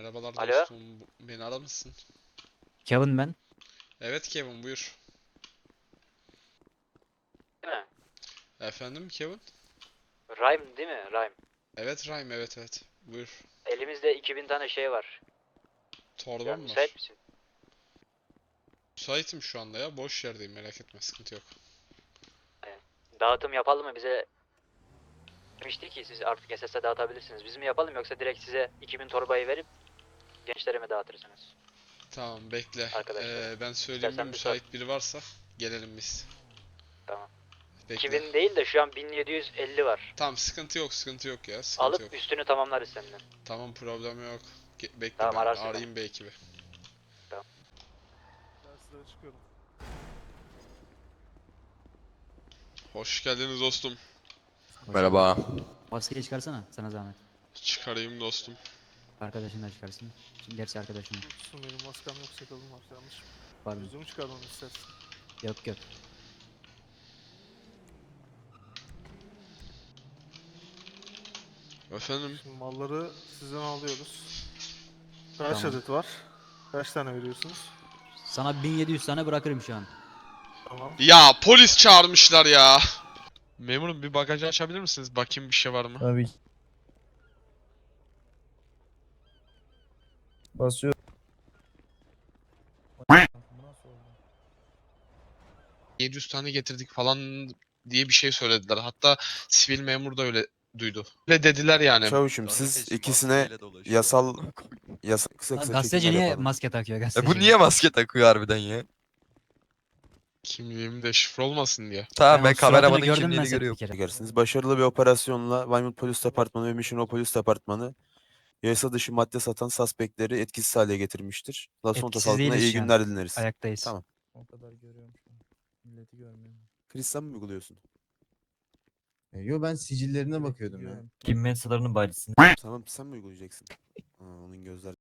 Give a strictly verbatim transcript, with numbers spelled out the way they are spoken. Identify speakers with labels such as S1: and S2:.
S1: Merhabalar
S2: Alo?
S1: dostum. Bu- Beni aramışsın.
S3: Kevin ben.
S1: Evet Kevin, buyur.
S2: Değil mi?
S1: Efendim Kevin?
S2: Rhyme değil mi? Rhyme.
S1: Evet Rhyme, evet evet. Buyur.
S2: Elimizde iki bin tane şey var.
S1: Torba
S2: Ya
S1: mı
S2: müsait
S1: var?
S2: misin?
S1: Müsaitim şu anda ya. Boş yerdeyim, merak etme, sıkıntı yok.
S2: Dağıtım yapalım mı? Bize demişti ki siz artık S S'e dağıtabilirsiniz. Biz mi yapalım yoksa direkt size iki bin torbayı verip gençlere mi dağıtırsınız?
S1: Tamam bekle.
S2: Arkadaşlara.
S1: Ee, ben söyleyeyim, bir
S2: İstersen bir sor.
S1: müsait biri varsa gelelim biz.
S2: Tamam.
S1: Bekle.
S2: iki bin değil de şu an bin yedi yüz elli var.
S1: Tamam, sıkıntı yok, sıkıntı yok ya, sıkıntı yok.
S2: Alıp üstünü tamamlarız senden.
S1: Tamam, problem yok. Ge- bekle,
S2: Tamam,
S1: ben
S2: ararsın
S1: arayayım bir ekibi.
S2: Tamam.
S4: Derslere çıkıyorum.
S1: Hoş geldiniz dostum.
S5: Merhaba.
S3: Maskeyi çıkarsana sana zahmet.
S1: Çıkarayım dostum.
S3: Arkadaşın da çıkarsın. Şimdi gerçi arkadaşın yok.
S4: Yoksun benim maskem yok, sakalım var. Yanlış mı?
S3: Var mı?
S4: Yüzümü çıkarmamı istersin.
S3: Yok yok.
S1: Efendim?
S4: Şimdi malları sizden alıyoruz. Kaç
S3: Tamam.
S4: adet var? Kaç tane veriyorsunuz?
S3: Sana bin yedi yüz tane bırakırım şu an.
S4: Tamam.
S1: Ya polis çağırmışlar ya. Memurum, bir bagajı açabilir misiniz? Bakayım bir şey var mı?
S6: Tabii ki. Basıyor.
S1: yedi yüz tane getirdik falan diye bir şey söylediler. Hatta sivil memur da öyle duydu. Öyle dediler yani.
S5: Çavuşum siz ikisine yasal yasa kısa
S3: Lan
S5: kısa
S3: gazeteci
S5: çekimler
S3: niye
S5: yapalım.
S3: maske takıyor
S5: E
S3: gazeteci?
S5: bu niye maske takıyor harbiden ya?
S1: Kimliğim de şifre olmasın diye.
S5: Tamam
S3: Ben
S5: ben
S3: o suratını
S5: kameramanın
S3: gördüm ben
S5: kimliğini
S3: seni bir
S5: görüyorum.
S3: kere.
S5: Çekersiniz. Başarılı bir operasyonla Weymouth Polis Departmanı ve Mission Polis Departmanı yasa dışı madde satan suspektleri etkisiz hale getirmiştir. Las Santos
S3: Etkisiz
S5: halkına
S3: değiliz
S5: iyi
S3: şu an.
S5: günler dileriz.
S3: Ayaktayız.
S5: Tamam.
S6: O kadar görüyorum şu an. Milleti görmüyorum.
S5: Chris sen mi uyguluyorsun?
S7: E, Yo ben sicillerine
S6: Direkt
S7: bakıyordum ya.
S6: gidiyorum.
S8: Kim mensalarının bacısını.
S5: Tamam sen mi uygulayacaksın? Aa, onun gözler